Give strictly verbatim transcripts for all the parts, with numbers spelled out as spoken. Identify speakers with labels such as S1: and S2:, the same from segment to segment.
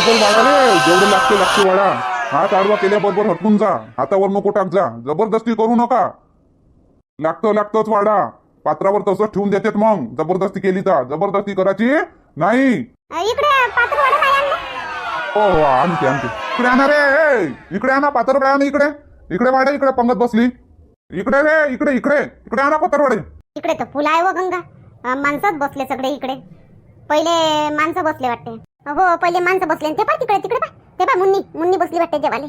S1: लवकर वाढाले, जेवढे लागते लागते वाढा. हात आडवा केल्याबरोबर हटकून जा, हातावर नको टाक जा, जबरदस्ती करू नका. लागतं लागतंच वाढा. पात्रावर तसंच ठेवून देतात मग जबरदस्ती केली तर. जबरदस्ती करायची नाही.
S2: इकडे पात्र वाढा नाही आणलं.
S1: हो हो आणते आणते. इकडे आणा रे, ए, इकडे आणा पात्र आणा. इकडे इकडे वाढा. इकडे पंगत बसली. इकडे रे, इकडे इकडे इकडे आणा पात्रवाडे.
S2: इकडे तर फुल आहे व गंगा. अं, माणसंच बसले सगळे इकडे. पहिले माणसं बसले वाटते. हो पहिले माणसं बसले. ते पा तिकडे तिकडे पा. ते पा मुन्नी मुन्नी बसली वाटते जेवाले.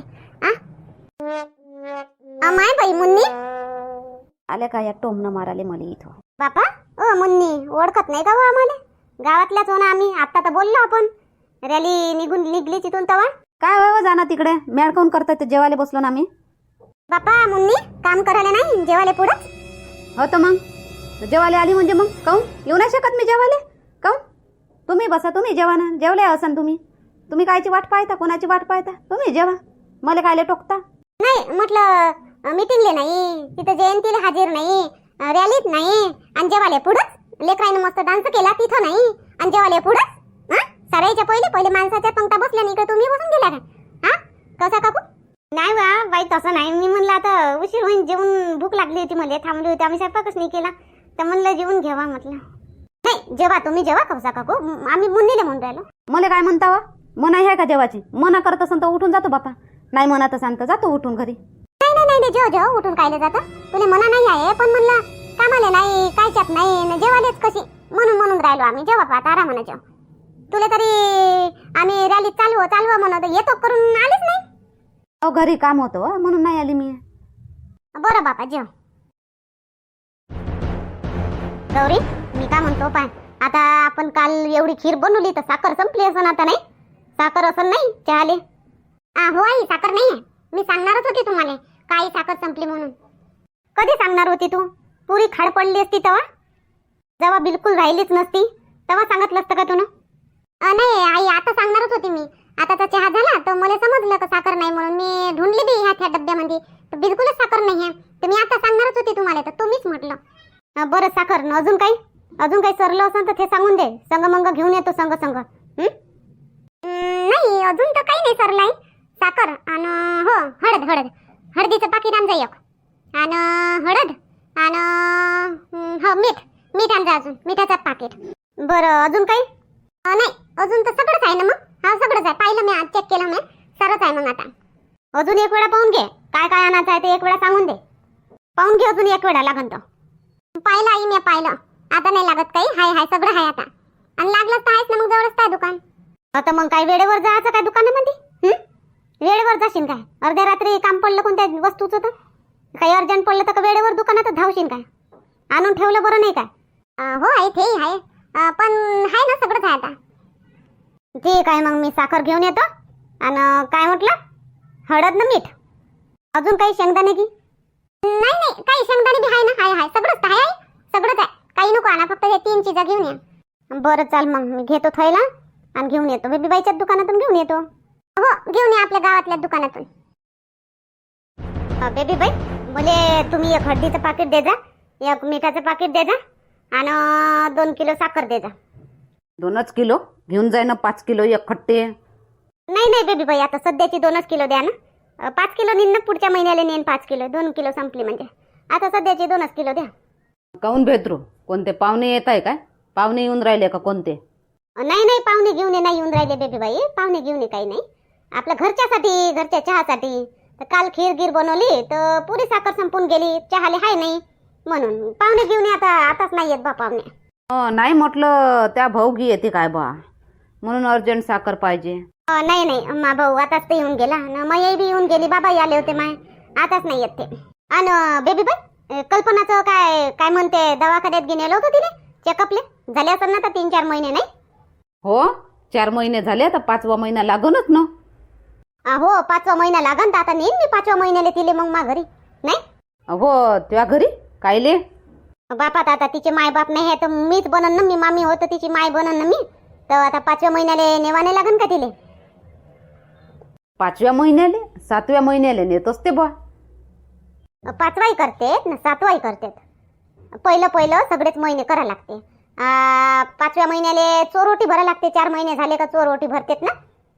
S2: आ माय बाई मुन्नी
S3: आले का या टोमनं माराले मला इथं.
S2: बापा ओ मुन्नी ओळखत नाही का हो आम्हाला? गावातल्याच हो ना आम्ही. आता तर बोललो आपण. रॅली निघून निघली तिथून तवा.
S3: काय व्हावं जाणं तिकडे. मेळ काऊन करतात ते जेवायला बसलो ना आम्ही.
S2: बापा मुन्नी काम करायला नाही जेवाले पुढंच.
S3: हो तर मग जेवायला आली म्हणजे मग काऊन येऊ नाही शकत मी जेवायला? काऊन तुम्ही बसा, तुम्ही जेवा ना. जेवले असन तुम्ही. तुम्ही कायची वाट पाहता, कोणाची वाट पाहता? तुम्ही जेवा, मला कायले टोकता.
S2: नाही म्हटलं मीटिंगले नाही, तिथं जयंतीला हाजीर नाही, रॅलीत नाही, आणि जेवाले पुढंच लेकराईनं मस्त डान्स केला तिथं नाही, आणि जेवाले पुढंच. हा सरायच्या पहिले पहिले माणसाच्या पंक्ता बसल्या नाही का तुम्ही बसून गेला का? हा कसा काकू? नाही वा बाई तसं नाही. मी म्हणलं आता उशीर होईन, जेवून भूक लागली होती मला, थांबली होती, आम्ही स्वयंपाकच नाही केला तर म्हणलं जेवून घ्यावा म्हटलं. नाही जेवा तुम्ही जेवा कसा काकू, आम्ही मुन्नीले म्हणून राहिलो.
S3: मला काय म्हणता वा? मना आहे का जेवाची? मना करत असन तर उठून जातो बापा. नाही म्हणत असन तर जातो उठून घरी.
S2: नाही नाही नाही जेव जेव उठून कायले जातं. तुला मना नाही आहे पण म्हणलं कामाले नाही कायच्यात नाही जेवालेच कशी म्हणून म्हणून राहिलो आम्ही. जेवा पाहता आरामानं जेव. तुला तरी आम्ही रॅलीत चालू चालू म्हणत येतो करून आलीच नाही.
S3: अहो घरी काम होतं म्हणून नाही आली मी.
S2: बरं बापा जेव. गौरी मी काय म्हणतो पाय, आता आपण काल एवढी खीर बनवली तर साखर संपली असं आता नाही? साखर असं नाही चहाले? हो आई साखर नाही आहे. मी सांगणारच होती तुम्हाला काही साखर संपली म्हणून. कधी सांगणार होती तू? पुरी खाड पडली असती तेव्हा, जेव्हा बिलकुल राहिलीच नसती तेव्हा सांगितलं असतं का तुला? नाही आई आता सांगणारच होती मी. आता तर चहा झाला तर मला समजलं का साखर नाही म्हणून मी ढूंढली बी ह्या त्या डब्यामध्ये तर बिलकुलच साखर नाही आहे. तर मी आता सांगणारच होती तुम्हाला तर तुम्हीच म्हटलं. बरं साखर न अजून काही अजून काही सरलं असेल तर ते सांगून दे. संग मंग घेऊन येतो संग संग. नाही अजून तर काही नाही सरलं आहे. साखर आणि हो हळद हळद हळदीचं पाकिट आणजा एक, आणि हळद आणि हो मीठ मीठ आणजा अजून मिठाचं पाकिट. बरं अजून काही नाही? अजून तर सगळंच आहे ना मग? हा सगळंच आहे. पाहिलं मी आज चेक केलं मी सारंच आहे. मग आता अजून एक वेळा पाहून घे काय काय आणायचं आहे ते एक वेळा सांगून दे. पाहून घे अजून एक वेळा लागन तर. पाहिलं आई मी पाहिलं. आता नाही लागत काही. हाय हाय सगळं आहे आता. आणि लागलंच तर आहेच ना मग जवळच काय दुकान. आता मग काय वेळेवर जायचं काय दुकानामध्ये? वेळेवर जाशील काय? अर्ध्या रात्री काम पडलं कोणत्या वस्तूचं तर काही अर्जंट पडलं तर वेळेवर दुकानात धावशील काय? आणून ठेवलं बरं नाही काय? हो आहे ते आहे पण आहे ना सगळंच आहे आता. ठीक आहे मग मी साखर घेऊन येतो. आणि काय म्हटलं? हळद ना मीठ अजून काही शेंगदाणे की? नाही नाही काही शेंगदाणे बी आहे ना. हाय हाय सगळंच आहे सगळंच आहे. काही नको आणा फक्त हे तीन चीजा घेऊन या. बरं चाल मग मी घेतो थैला आणि घेऊन येतो. बेबीबाईच्या दुकानातून घेऊन येतो. हो घेऊन या आपल्या गावातल्या दुकानातून. बेबीबाई बोले तुम्ही एक हळदीचं पाकिट दे जा, एक मिठाचं पाकिट दे जा आणि दोन किलो साखर दे जा.
S3: दोनच किलो घेऊन जाय ना. पाच किलो एक खट्टे.
S2: नाही नाही बेबीबाई आता सध्याची दोनच किलो द्या ना. पाच किलो नेन ना पुढच्या महिन्याला नेन पाच किलो. दोन किलो संपली म्हणजे आता सध्याची दोनच किलो द्या.
S3: काऊन भेद्रू? कोणते पाहुणे येत आहे काय? पाहुणे येऊन राहिले का कोणते?
S2: नाही नाही पाहुणे घेऊन ये नाही येऊन राहिले बेबीबाई. पाहुणे घेऊन ये काही नाही. आपल्या घरच्यासाठी घरच्या चहासाठी. तर काल खीर गिर बनवली तर पुरी साखर संपून गेली. चहाले हाय नाही म्हणून पाहुणे घेऊन ये. आता आताच नाही येत बा पाहुणे.
S3: नाही म्हटलं त्या भाऊगी येते काय बा म्हणून अर्जंट साखर पाहिजे.
S2: नाही नाही मा भाऊ आताच ते येऊन गेला. माई बी येऊन गेली. बाबा आले होते माय. आताच नाही येत ते. आणि बेबीबाई कल्पनाचं काय काय म्हणते? दवाखान्यात घेऊन गेलो होतो तिने चेकअपले. झाले असेल ना तर तीन चार महिने नाही?
S3: हो चार महिने झाले तर पाचवा महिना लागूनच ना.
S2: हो पाचवा महिना लागन तर आता नेईन मी पाचव्या महिन्याला तिले मग मा घरी नाही.
S3: हो तुझ्या घरी कायले?
S2: बापात आता तिचे माय बाप नाही आहे तर मीच बनन ना. मी मामी होतं तिची माय बनन ना मी. तर आता पाचव्या महिन्याला नेवाने लागन का तिले?
S3: पाचव्या महिन्याले सातव्या महिन्याले नेतोच ते बा.
S2: पाचवाही करतेत ना सातवाही करतेत. पहिलं पहिलं सगळेच महिने करा लागते. पाचव्या महिन्याले चोरोटी भरा लागते. चार महिने झाले का चोरोटी भरतेत ना.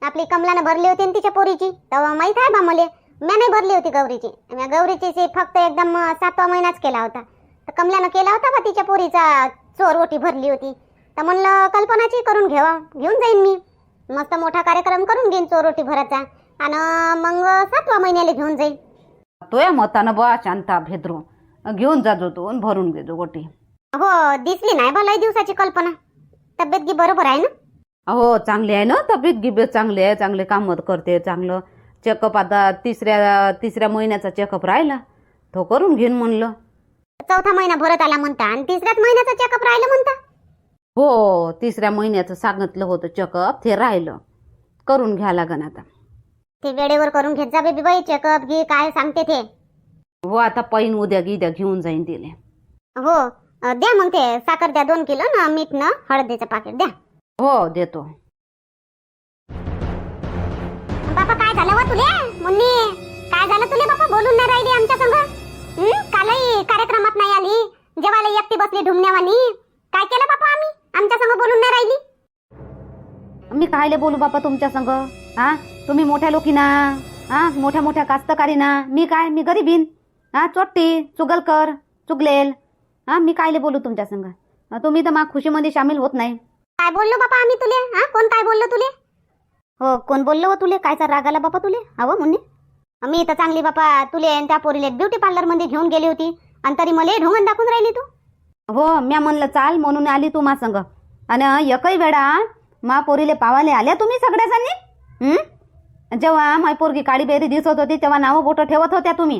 S2: आपली कमलानं भरली होती ना तिच्या पोरीची, तेव्हा माहित आहे बा मले. मी नाही भरली होती गौरीची. मी गौरीची सी फक्त एकदम सातवा महिनाच केला होता. तर कमलानं केला होता बा तिच्या पोरीचा चोर ओटी भरली होती. तर म्हणलं कल्पनाची करून घेवा, घेऊन जाईन मी. मस्त मोठा कार्यक्रम करून घेईन चोर ओटी भरायचा आणि मग सातवा महिन्याला घेऊन जाईन.
S3: तोया मतानं बा शांता भेद्रू घेऊन जाजो तू आणि भरून घेजो गोटी.
S2: हो दिसली नाही बा लय दिवसाची कल्पना. तब्येत गी बरोबर आहे ना?
S3: हो चांगली आहे ना तब्येत गिब्येत चांगली आहे, चांगले काम करते, चांगलं चेकअप आता तिसऱ्या तिसऱ्या महिन्याचा चेकअप राहिला तो करून घेईन म्हणलं.
S2: चौथा महिना भरत आला म्हणता आणि तिसऱ्याच महिन्याचा चेकअप राहिलं म्हणता.
S3: हो तिसऱ्या महिन्याचं सांगितलं होतं चेकअप, ते राहिलं करून घ्या लागन आता.
S2: ते वेळेवर करून घेत जा बेबी बाई चेकअप घे काय सांगते ते.
S3: हो आता पैन उद्या गिद्या घेऊन जाईन तिले.
S2: हो अ, द्या मग ते साखर द्या दोन किलो ना मीठ ना हळदीचं पाकिट द्या.
S3: हो देतो.
S2: बापा काय झालं वा तुले मुन्नी? काय झालं तुले बापा? बोलून नाही राहिली आमच्या संग. हं? कालही कार्यक्रमात नाही आली, जेवायला एकटी बसली ढुमण्यावानी. काय केलं बापा आम्ही? आमच्या संग बोलून नाही राहिली.
S3: मी कायले बोलू बापा तुमच्या संग? हा तुम्ही मोठ्या लोकी ना, हा मोठ्या मोठ्या कास्तकारी ना, मी काय मी गरीबीन, हा चोट्टी चुगलकर चुगलेल. हा मी कायले बोलू तुमच्या संग? तुम्ही तर मा खुशीमध्ये सामील होत नाही.
S2: काय बोललो बापा आम्ही तुले? हा कोण काय बोललो तुले? हो कोण बोललो हो तुले? कायचा राग आला बापा तुले? हवं मुन्नी मी तर चांगली बापा तुले आणि त्या पोरीले ब्युटी पार्लर मध्ये घेऊन गेली होती आणि तरी मला ढोंगण दाखवून राहिली तू.
S3: हो म्या म्हणलं चाल म्हणून आली तू मा संग आणि एकही वेळा मा पोरीले पावाले आल्या तुम्ही सगळ्याजणी. हं? जेव्हा माय पोरगी काळी बेरी दिसत होती तेव्हा नाव बोट ठेवत होत्या तुम्ही.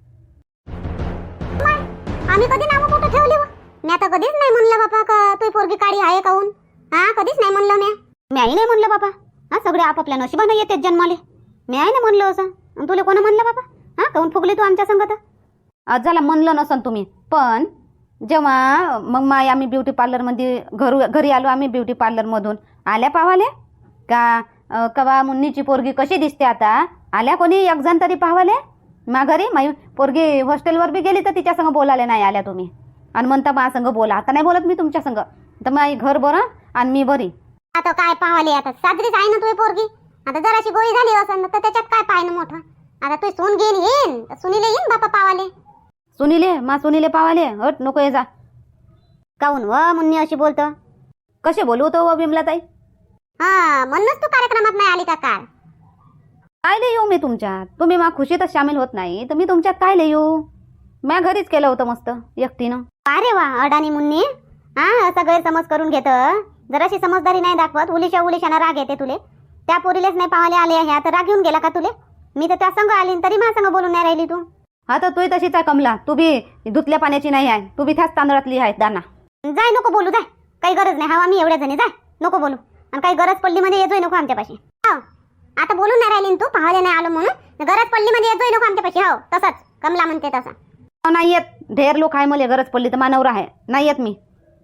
S2: आम्ही कधी नाव कुठं ठेवली व? मी आता कधीच नाही म्हणलं बापा का तुझी पोरगी काळी आहे काहून. हा कधीच नाही म्हणलं मी. मी आई नाही म्हणलं बापा. हा सगळे आपापल्या नशिबानं येतेच जन्माले. मी आई नाही म्हणलं असं. आणि तुला कोण म्हणलं बापा? हा काहून फुगली तू आमच्या संगत?
S3: आज झाला म्हणलं नसन तुम्ही, पण जेव्हा मग माय आम्ही ब्युटी पार्लरमध्ये घरू घरी आलो आम्ही ब्युटी पार्लरमधून आल्या पावाले का अ, कवा मुन्नीची पोरगी कशी दिसते आता आल्या कोणी एक जण तरी पावाले मा घरी. माई पोरगी हॉस्टेलवर बी गेली तर तिच्या संग बोलायला नाही आल्या तुम्ही आणि म्हणता मा संग बोला. आता नाही बोलत मी तुमच्या संग. तर माई घर बरं आणि मी बरी.
S2: आता काय पाहाले? आता साजरीच आहे ना तुझी पोरगी. आता जराशी गोळी झाली असं तर त्याच्यात काय पाहिजे मोठं. आता तू सून घेऊन येईन सुनीले येईन बापा पावाले.
S3: सुनीले मा सुनीले पावाले हट नको ये जा.
S2: काहून व मुन्नी अशी बोलतो?
S3: कसे बोलू तो व बिमलाताई?
S2: हा म्हणूनच तू कार्यक्रमात नाही आली का काल?
S3: कायले येऊ मी तुमच्यात? तुम्ही मा खुशीतच सामील होत नाही तर मी तुमच्यात कायले येऊ? म्या घरीच केलं होतं मस्त एकटीनं.
S2: अरे वा अडाणी मुन्नी. हा असा गैरसमज करून घेत. जराशी समजदारी नाही दाखवत. उलिशा उलिशाना राग येते तुले. त्या पोरीलेच नाही पावाले आले आहे आता राग येऊन गेला का तुले? मी तर त्या संग आली तरी माझ्या संग बोलून नाही राहिली तू.
S3: हा तर तू तशीच आहे कमला. तू बी धुतल्या पाण्याची नाही आहे, तू बी त्याच तांदळातली आहे दाना.
S2: जाय नको बोलू जाय. काही गरज नाही. हवा मी एवढ्या जणी जाय नको बोलू. आणि काही गरज पडली मध्ये येतोय नको आमच्यापाशी. हो आता बोलून नाही राहिली तू पाहायला नाही आलो म्हणून. गरज पडली मध्ये येतोय नको आमच्यापाशी. हो तसंच कमला म्हणते तसं.
S3: नाही येत. ढेर लोक आहे मला गरज पडली तर मानवरा आहे. नाही येत मी.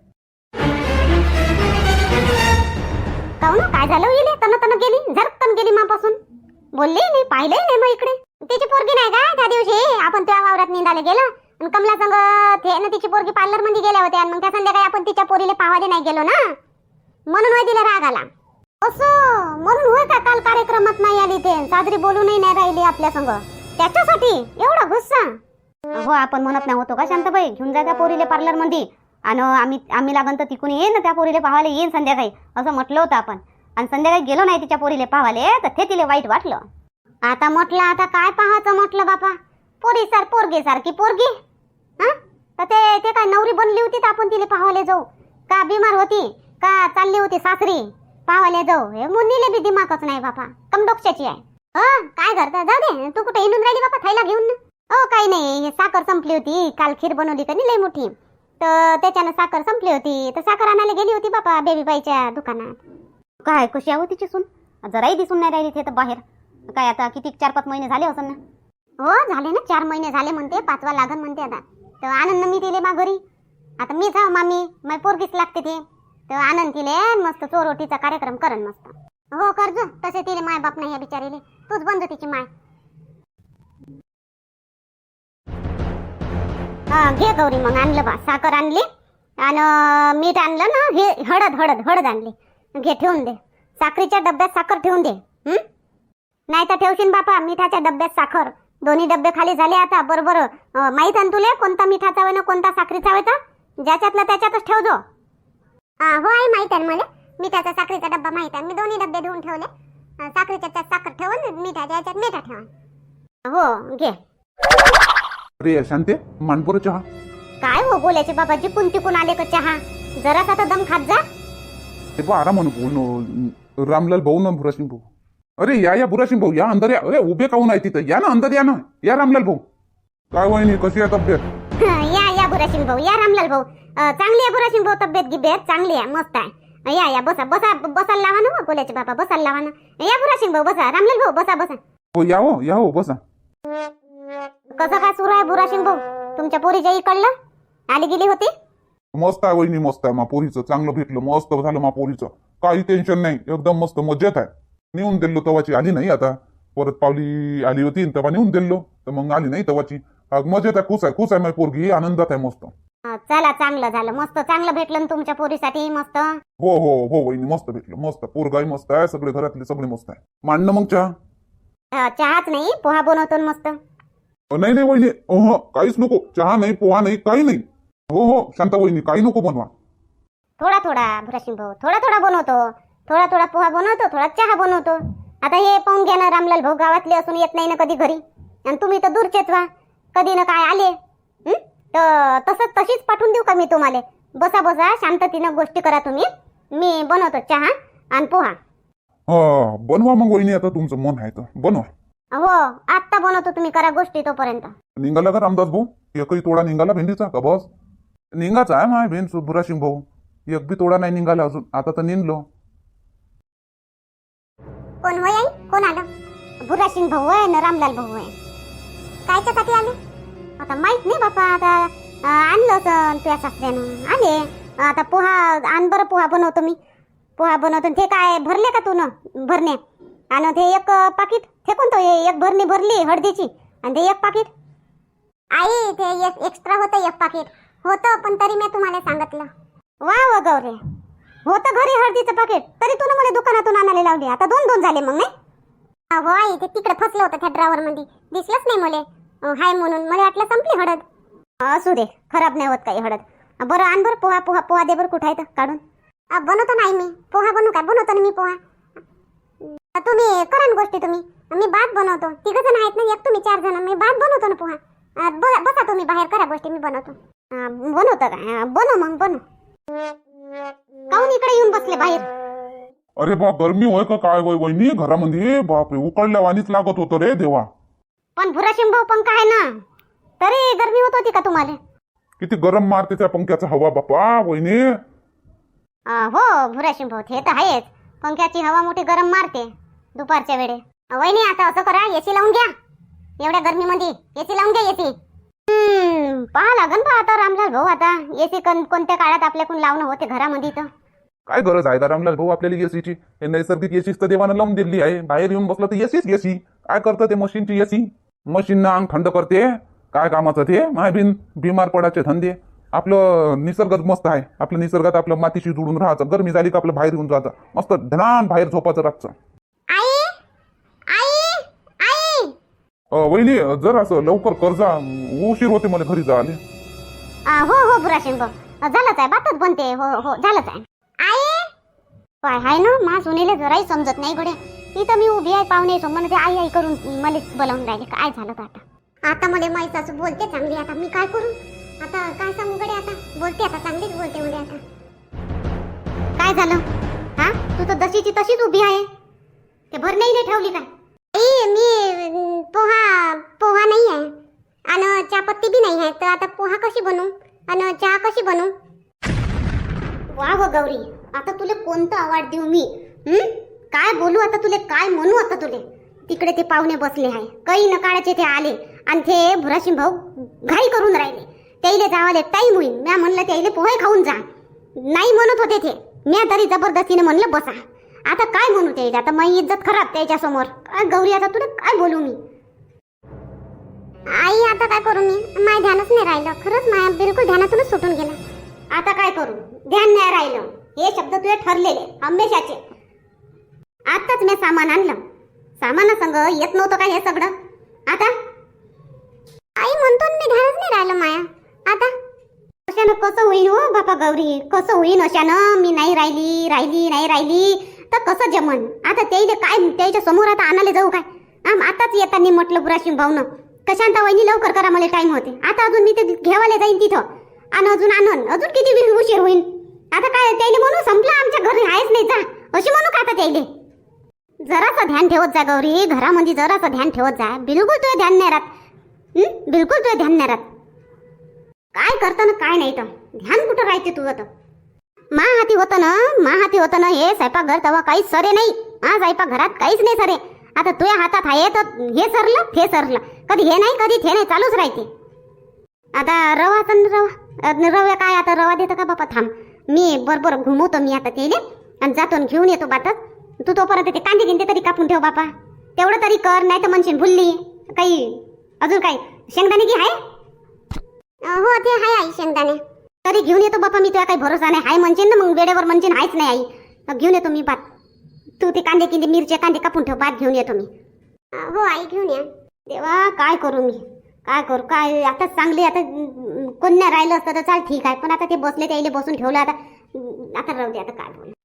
S2: काहून काय झालं येईल? तन तन गेली झरकन गेली मापासून. बोलली नाही पाहिलंही नाही मग इकडे. तिची पोरगी नाही का त्या दिवशी आपण त्या वावरात निंदाले गेलो आणि कमला संग ते ना तिची पोरगी पार्लर मध्ये गेल्या होत्या आणि मग त्या संध्याकाळी आपण तिच्या पोरीले पाहायला नाही गेलो ना म्हणून होय तिला राग आला. असं म्हणून होय का काल कार्यक्रमात नाही आली ते साजरी बोलूनही नाही राहिली आपल्या संग त्याच्यासाठी एवढा गुस्सा? हो आपण म्हणत नाही होतो का शांताबाई घेऊन जा त्या पोरीले पार्लर मध्ये आणि आम्ही आम्ही लागन तर तिकून येईन ना त्या पोरीले पाहायला येईन संध्याकाळी असं म्हटलं होतं आपण. आणि संध्याकाळी गेलो नाही तिच्या पोरीले पाहायला तर ते तिला वाईट वाटलं. आता म्हटलं आता काय पाहायचं म्हटलं बापा. पोरी सार पोरगी सारखी पोरगी. हा तर ते ते काय नवरी बनली होती तर आपण तिला पाहायला जाऊ का? बिमार होती का चालली होती सासरी पाहायला जाऊ? हे मुन्नीले बी दिमागच नाही बापा. कमडोक्षाची आहे. हो काय करता? जाऊ दे. तू कुठे हिंडून राहिली बापा थैला घेऊन? हो काही नाही साखर संपली होती. काल खीर बनवली का नाही लई मोठी तर त्याच्यानं साखर संपली होती तर साखर आणायला गेली होती बापा बेबीबाईच्या दुकानात. काय कशी आहे तिची सून? जराही दिसून नाही राहिली ते तर बाहेर. काय आता किती चार पाच महिने झाले असं ना? हो झाले ना चार महिने झाले म्हणते. पाचवा लागन म्हणते आता. तर आनंद मी तिले मा घरी. आता मी जाऊ मामी माय पोरगीच लागते ते. तर आनंद तिले मस्त चोरोटीचा कार्यक्रम करन मस्त. हो करजो तसे तिले माय बाप नाही या बिचारीले. तूच बनजो तिची माय. हा घे गौरी मग आणलं बा साखर आणली आणि मीठ आणलं ना. हे हळद हळद हळद आणली. घे ठेवून दे. साखरीच्या डब्यात साखर ठेवून दे. हं? नाही तर ठेवशील बापा मिठाच्या डब्यात साखर. दोन्ही डब्बे खाली झाले आता. बरोबर अं, माहित आहे ना तुले कोणता मिठाचा होय ना कोणता साखरेचा होय तर? ज्याच्यातला त्याच्यातच ठेव जो. हा, हो आई माहित आहे ना मला. मिठाचा साखरेचा डब्बा माहित आहे. मी दोन्ही डब्बे धुवून ठेवले. अं, साखरेच्या त्यात साखर ठेवून मिठाच्या याच्यात मिठा ठेवा. हो घे.
S1: अरे शांते मानपुरा चहा.
S2: काय हो बोलायचे बाबा, जिकून तिकून आले का चहा? जरासा तर दम खात जा.
S1: ते बा आराम बोल रामलाल भाऊ ना भुरासिंग भाऊ. अरे या या भुरासिंग भाऊ या अंदर या. अरे उभे काहून आहे तिथं? या ना अंदर या ना. या रामलाल भाऊ. काय वहिनी कशी आहे तब्येत?
S2: या या बुराशिंग भाऊ, या रामलाल भाऊ. अं, चांगली आहे बुराशिंग भाऊ तब्येत गिब्येत चांगली आहे, मस्त आहे. या या बसा बसा बसायला लावा ना. बोलायचे बाबा बसायला लावा ना. या बुराशिंग भाऊ बसा. रामलाल भाऊ बसा बसा.
S1: हो या हो या हो बसा.
S2: कसं काय सुरू आहे बुराशिंग भाऊ तुमच्या पोरीच्या इकडलं? आली गेली होती?
S1: मस्त आहे वहिनी मस्त आहे. मा पोरीचं चांगलं भेटलं मस्त झालं. मा पोरीचं काही टेन्शन नाही. एकदम मस्त मजेत आहे. नेऊन दिलो तवाची आली नाही. आता परत पावली आली होती तेव्हा नेऊन दिलो तर मग आली नाही तवाची. मजेत आहे. खुश आहे खुश आहे. माझी पोरगी आनंदात आहे मस्त.
S2: अं, चला चांगलं झालं. मस्त चांगलं भेटलं ना तुमच्या पोरीसाठी. मस्त.
S1: हो हो हो वहिनी मस्त भेटलं मस्त. पोरगाई मस्त आहे. सगळे घरातले सगळे मस्त आहे. मांडणं मग चहा?
S2: अं, चहाच नाही पोहा बनवतो ना मस्त.
S1: नाही नाही वहिनी अह काहीच नको. चहा नाही पोहा नाही काही नाही. हो हो शांता वहिनी काही नको बनवा.
S2: थोडा थोडा बुराशिंग भाऊ थोडा थोडा बनवतो. थोडा थोडा पोहा बनवतो थोडा चहा बनवतो. आता हे पाहून घ्या ना रामलाल भाऊ, गावातले असून येत नाही ना कधी घरी. आणि तुम्ही तर दूरचेच व्हा. कधी ना काय आले हं? तर तसंच तशीच पाठवून देऊ का मी तुम्हाला? बसा बसा शांततेनं गोष्टी करा तुम्ही. मी बनवतो चहा आणि पोहा.
S1: हा बनवा मग वहिनी. आता तुमचं मन आहे तर बनवा.
S2: हो आत्ता बनवतो. तुम्ही करा गोष्टी तोपर्यंत.
S1: निघाला का रामदास भाऊ? एकही तोडा निघाला भेंडीचा का? बस निघाचा आहे माय भेंड भुराशिंग भाऊ. एक बी तोडा नाही निघाला अजून. आता तर निघलो.
S2: कोण होय आई? कोण आलं? बुराशिंग भाऊ आहे ना रामलाल भाऊ आहे. कायच्यासाठी आले? आता माहित नाही बापा. आता अं, आणलं असं तुझ्या सासऱ्यानं आले. आता पोहा आण बरं. पोहा बनवतो मी. पोहा बनवतो. ते काय भरले का तू न भरणे? आणि ते एक पाकिट ते कोणतं? एक भरणी भरली हळदीची आणि ते एक पाकिट. आई ते एक एक्स्ट्रा होतं. एक पाकिट होतं पण तरी मी तुम्हाला सांगितलं. वा वा गौरे होतं घरी हळदीचं पाकिट तरी तू मला दुकानातून आणायला लावले. आता दोन दोन झाले मग नाही? हो आई ते तिकडे फसलं होतं त्या ड्रावर मध्ये. दिसलंच नाही मला हाय म्हणून. मला वाटलं संपली हळद. असू दे खराब नाही होत काही हळद. बरं आण बरं पोहा. पोहा पोहा दे बरं. कुठं आहे तर काढून. अ, बनवतो नाही मी पोहा. बनवू काय? बनवतो ना मी पोहा. अ, तुम्ही करा ना गोष्टी तुम्ही. मी भात बनवतो. तिघ जण आहेत ना. एक तुम्ही चार जण. मी भात बनवतो ना पोहा. अ, ब- बसा तुम्ही बाहेर करा गोष्टी. मी बनवतो. अ, बनवतं का? बनव मग बनव. काहून इकडे येऊन बसले बाहेर?
S1: अरे बा गरमी होय का काय होय वहिनी घरामध्ये? बापरे उकळल्या वाणीच लागत होतं रे देवा.
S2: पण भुराशिंग भाऊ पंखा आहे ना तरी गरमी होत होती का तुम्हाला?
S1: किती गरम मारते त्या पंख्याचा हवा बापा वहिनी.
S2: अ, हो भुराशिंग भाऊ ते तर आहेच. पंख्याची हवा मोठी गरम मारते दुपारच्या वेळे. अ, वहिनी आता असं करा एसी लावून घ्या. एवढ्या गरमीमध्ये एसी लावून घ्या. एसी हम्म पहा लागन पहा आता रामलाल भाऊ. आता एसी कोणत्या काळात आपल्याकडून लावणं होते घरामध्ये तर.
S1: काय गरज आहे का रामलाल भाऊ आपल्याला एसीची? हे नैसर्गिक एसीच तर देवानं लावून दिली आहे. बाहेर येऊन बसलं तर एसीच एसी. काय करतं ते मशीनची एसी? मशीननं अंग थंड करते. काय कामाचं ते? माय बिन बिमार पडायचे धंदे. आपलं निसर्गात मस्त आहे. आपलं निसर्गात आपलं मातीशी जुळून राहायचं. गरमी झाली का आपलं बाहेर येऊन जायचं. मस्त धनान बाहेर झोपायचं रातचं.
S2: आई आई आई
S1: अ, वहिनी जर असं लवकर कर्जा उशीर होते मला घरी जायला.
S2: अ, हो हो भुराशिंग भाऊ झालंच आहे. बातच बनते. हो हो झालंच आहे. आई काय आहे ना मा सुनीले जराही समजत नाही गड्या. इथं मी उभी आहे पाहुणे समोर ते आई आई करून मला बोलावून राहिले. काय झालं तर आता? आता मला माई सासू बोलते चांगली. आता मी काय करू? आता काय सांगू गड्या? आता बोलते आता चांगलीच बोलते म्हणजे. आता काय झालं? हा तू तर जशीची तशीच उभी आहे. ते भर नाही ठेवली काय? आई मी पोहा पोहा नाही आहे आणि चहापत्ती बी नाही आहे. तर आता पोहा कशी बनवू आणि चहा कशी बनवू? वा व गौरी आता तुला कोणतं अवॉर्ड देऊ मी? हं? काय बोलू आता तुले? काय म्हणू आता तुले? तिकडे ते पाहुणे बसले आहे. काही न काळाचे ते आले आणि ते भुराशिंग भाऊ घाई करून राहिले. त्याईले जावाले टाईम होईल. म्या म्हणलं त्याईले पोहे खाऊन जा. नाही म्हणत होते ते. म्या तरी जबरदस्तीने म्हणलं बसा. आता काय म्हणू त्याईले? आता माझी इज्जत खराब त्याच्या समोर. काय गौरी आता तुला काय बोलू मी? आई आता काय करू मी? माझ्या ध्यानच नाही राहिलं. खरंच माझ्या बिलकुल ध्यानातूनच सुटून गेलं. आता काय करू? ध्यान नाही राहिलं. हे शब्द तुझे ठरलेले हमेशाचे. आताच मी सामान आणलं सामाना संग येत नव्हतं का हे सगळं? आता आई म्हणतो ना, मी ध्यानच नाही राहिलं माया. आता अशानं कसं होईन हो बापा गौरी, कसं होईन अशानं? मी नाही राहिली राहिली नाही राहिली तर कसं जमन? आता त्याईले काय त्याच्या समोर आता आणायला जाऊ काय? आम आताच येताना म्हटलं बुराशिंग भाऊनं कशांता वहिनी लवकर करा, मला टाइम होते. आता अजून मी ते घेवायला जाईन तिथं आणि अजून आणन, अजून किती वेळ उशीर होईल? आता काय त्याईले म्हणू संपलं आमच्या घरी आहेच नाही जा अशी म्हणू का आता त्याईले? जरासं ध्यान ठेवत जा गौरी, घरामध्ये जरासं ध्यान ठेवत जा. बिलकुल तुझं ध्यान नाही राहत. हं? बिलकुल तुझं ध्यान नाही राहत. काय करतं ना काय नाही तर ध्यान कुठं राहते तुझं? तर मा हाती होतं ना, मा हाती होतं ना हे स्वयंपाकघर, तेव्हा काहीच सरे नाही. हा स्वयंपाक घरात काहीच नाही सरे. आता तुझ्या हातात आहे तर हे सरलं ते सरलं, कधी हे नाही कधी ते नाही, चालूच राहते. आता रवा तर रवा रव्या काय आता रवा देतं का बापा? थांब मी बरोबर घुमवतो मी आता तेले आणि जातो आणि घेऊन येतो बातात. तू तोपर्यंत ते कांदे गिंदे तरी कापून ठेव बापा, तेवढं तरी कर. नाही तर म्हणशील भुलली काही. अजून काही शेंगदाणे घे आहे? हो ते आहे आई शेंगदाणे. तरी घेऊन येतो बापा मी, तुला काही भरोसा नाही. हाय म्हणशील ना मग वेळेवर म्हणशील हायच नाही आई. मग घेऊन येतो मी भात. तू ते कांदे किंदे मिरचे कांदे कापून ठेव, भात घेऊन येतो मी. हो आई घेऊन या. तेव्हा काय करू मी, काय करू काय? आता चांगली आता कोण नाही राहिलं असतं तर चाल ठीक आहे, पण आता ते बसले त्याईले बसून ठेवलं. आता आता राहू दे, आता काय बोल.